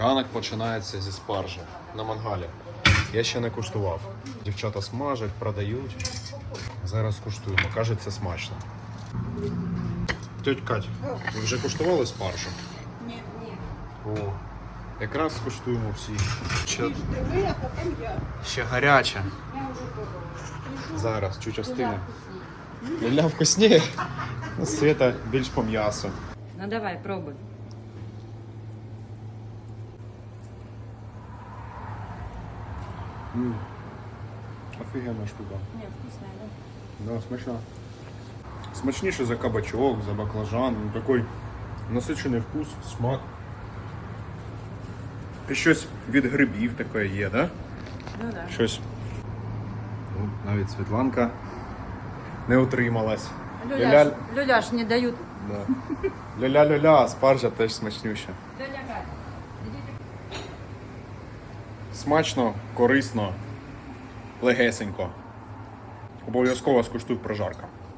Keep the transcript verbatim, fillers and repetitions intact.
Ранок починається зі спаржі на мангалі. Я ще не куштував. Дівчата смажать, продають. Зараз куштуємо. Кажеться, смачно. Тьоть Кать, ви вже куштували спаржу? Ні, ні. О, якраз скуштуємо всі. Ще, Диви, а потім я. ще гаряча. Я вже пробувала. Зараз, чуть остине. Ля вкусніє. Ну, Света більш по м'ясу. Ну давай, пробуй. М. Офігенна штука. Ні, вкусно, да? Да, смачно. Смачніше за кабачок, за баклажан. Ну, такий насичений вкус, смак. І щось від грибів таке є, да? Ну да. Щось. Ну, навіть Світланка не утрималась. Люляш, люляш не дають. Да. Ля-ля-ля-ля, спаржа теж смачнюща. Люля Кать, ідіть. Смачно, корисно, легесенько. Обов'язково скуштуй прожарка.